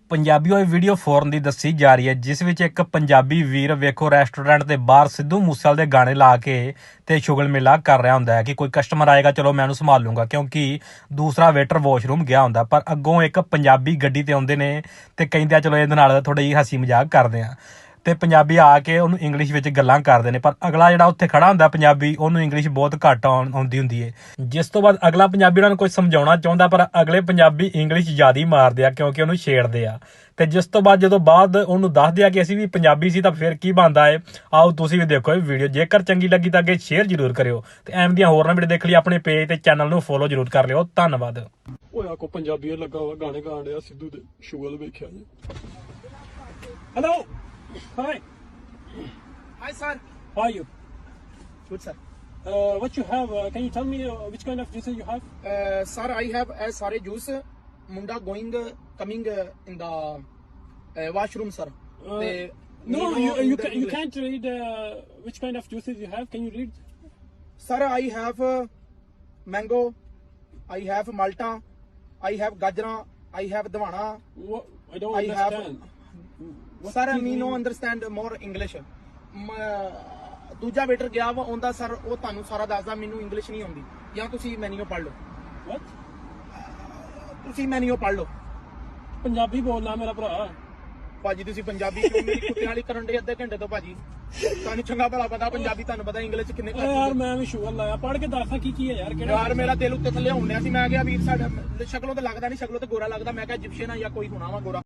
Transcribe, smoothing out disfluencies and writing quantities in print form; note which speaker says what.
Speaker 1: ਪੰਜਾਬੀ ਹੋਈ ਵੀਡੀਓ ਫੌਰਨ ਦੀ ਦੱਸੀ ਜਾ ਰਹੀ ਹੈ, ਜਿਸ ਵਿੱਚ ਇੱਕ ਪੰਜਾਬੀ ਵੀਰ ਵੇਖੋ ਰੈਸਟੋਰੈਂਟ ਦੇ ਬਾਹਰ ਸਿੱਧੂ ਮੂਸੇਵਾਲੇ ਦੇ ਗਾਣੇ ਲਾ ਕੇ ਤੇ ਸ਼ੁਗਲ ਮੇਲਾ ਕਰ ਰਿਹਾ ਹੁੰਦਾ ਹੈ ਕਿ ਕੋਈ ਕਸਟਮਰ ਆਏਗਾ, ਚਲੋ ਮੈਂ ਉਹਨੂੰ ਸੰਭਾਲ ਲੂੰਗਾ, ਕਿਉਂਕਿ ਦੂਸਰਾ ਵੇਟਰ ਵਾਸ਼ਰੂਮ ਗਿਆ ਹੁੰਦਾ। ਪਰ ਅੱਗੋਂ ਇੱਕ ਪੰਜਾਬੀ ਗੱਡੀ ਤੇ ਆਉਂਦੇ ਨੇ ਤੇ ਕਹਿੰਦੇ ਆ ਚਲੋ ਇਹਦੇ ਨਾਲ ਥੋੜਾ ਜਿਹੀ ਹੱਸੀ ਮਜ਼ਾਕ ਕਰਦੇ ਆ, ਤੇ ਪੰਜਾਬੀ ਆ ਕੇ ਉਹਨੂੰ ਇੰਗਲਿਸ਼ ਵਿੱਚ ਗੱਲਾਂ ਕਰਦੇ ਨੇ। ਪਰ ਅਗਲਾ ਜਿਹੜਾ ਉੱਥੇ ਖੜਾ ਹੁੰਦਾ ਪੰਜਾਬੀ, ਉਹਨੂੰ ਇੰਗਲਿਸ਼ ਬਹੁਤ ਘੱਟ ਆਉਂਦੀ ਹੁੰਦੀ ਹੈ, ਜਿਸ ਤੋਂ ਬਾਅਦ ਅਗਲਾ ਪੰਜਾਬੀ ਉਹਨਾਂ ਨੂੰ ਕੁਝ ਸਮਝਾਉਣਾ ਚਾਹੁੰਦਾ, ਪਰ ਅਗਲੇ ਪੰਜਾਬੀ ਇੰਗਲਿਸ਼ ਜ਼ਿਆਦਾ ਹੀ ਮਾਰਦੇ ਆ ਕਿਉਂਕਿ ਉਹਨੂੰ ਛੇੜਦੇ ਆ। ਤੇ ਜਿਸ ਤੋਂ ਬਾਅਦ ਜਦੋਂ ਬਾਅਦ ਉਹਨੂੰ ਦੱਸਦੇ ਆ ਕਿ ਅਸੀਂ ਵੀ ਪੰਜਾਬੀ ਸੀ ਤਾਂ ਫਿਰ ਕੀ ਬਣਦਾ ਹੈ, ਆਓ ਤੁਸੀਂ ਵੀ ਦੇਖੋ ਇਹ ਵੀਡੀਓ। ਜੇਕਰ ਚੰਗੀ ਲੱਗੀ ਤਾਂ ਅੱਗੇ ਸ਼ੇਅਰ ਜ਼ਰੂਰ ਕਰਿਓ ਤੇ ਐਵੇਂ ਦੀਆਂ ਹੋਰ ਨਾ ਵੀਡੀਓ ਦੇਖ ਲਈ ਆਪਣੇ ਪੇਜ ਤੇ ਚੈਨਲ ਨੂੰ ਫੋਲੋ ਜ਼ਰੂਰ ਕਰ ਲਿਓ। ਧੰਨਵਾਦ।
Speaker 2: ਹੋਇਆ ਕੋ ਪੰਜਾਬੀ ਲੱਗਾ ਵਾ ਗਾਣੇ ਗਾਣ ਰਿਹਾ ਸਿੱਧੂ ਦੇ, ਸ਼ੁਗਲ ਵੇਖਿਆ ਜੀ। Hello, hi
Speaker 3: Hi sir.
Speaker 2: how are you?
Speaker 3: Good sir.
Speaker 2: What you have, can you tell me which kind of juices you have?
Speaker 3: Sir, I have a sare juice. Munda coming in the washroom, sir.
Speaker 2: No, you can't read which kind of juices you have. Can you read?
Speaker 3: Sir, I have mango. I have malta. I have gajra. I have dwana.
Speaker 2: What? I don't understand. What
Speaker 3: Sir,
Speaker 2: gives
Speaker 3: me
Speaker 2: you-
Speaker 3: no understand more English. ਦੂਜਾ waiter ਗਿਆ ਵਾ ਉਹਦਾ sir, ਉਹ ਤੁਹਾਨੂੰ ਸਾਰਾ ਦੱਸਦਾ, ਮੈਨੂੰ English ਨਹੀਂ ਆਉਂਦੀ। ਜਾਂ ਤੁਸੀਂ ਮੈਨੂ ਪੜ੍ਹ ਲਓ,
Speaker 2: What?
Speaker 3: ਤੁਸੀਂ ਮੈਨੂ ਪੜ੍ਹ ਲਓ।
Speaker 2: ਪੰਜਾਬੀ ਬੋਲਣਾ ਮੇਰਾ ਭਰਾ।
Speaker 3: ਭਾਜੀ ਤੁਸੀਂ ਪੰਜਾਬੀ ਕਿਉਂ ਮੇਰੀ ਕੁੱਤਿਆਂ ਵਾਲੀ ਕਰਨ ਦੇ ਅੱਧੇ ਘੰਟੇ ਤੋਂ? ਭਾਜੀ ਤੁਹਾਨੂੰ ਚੰਗਾ ਭਲਾ ਪਤਾ ਪੰਜਾਬੀ, ਤੁਹਾਨੂੰ ਪਤਾ ਇੰਗਲਿਸ਼ ਕਿੰਨੇ
Speaker 2: ਓਏ ਯਾਰ ਮੈਂ ਵੀ ਸ਼ੁਗਰ ਲਾਇਆ, ਪੜ੍ਹ ਕੇ ਦੱਸਾਂ ਕੀ ਹੈ ਯਾਰ, ਕਿਹੜਾ
Speaker 3: ਯਾਰ ਮੇਰਾ ਦਿਲ ਉੱਤੇ ਥੱਲੇ ਹੁੰਦਿਆ ਸੀ। ਮੈਂ ਕਿਹਾ ਵੀਰ ਸਾਡਾ ਸ਼ਕਲੋਂ ਤੇ ਲੱਗਦਾ ਨਹੀਂ, ਸ਼ਕਲੋਂ ਤੇ ਗੋਰਾ ਲੱਗਦਾ। ਮੈਂ ਕਿਹਾ ਇਜਿਪਸ਼ੀਅਨ ਆ ਜਾਂ ਕੋਈ ਹੋਣਾ ਵਾ ਗੋਰਾ।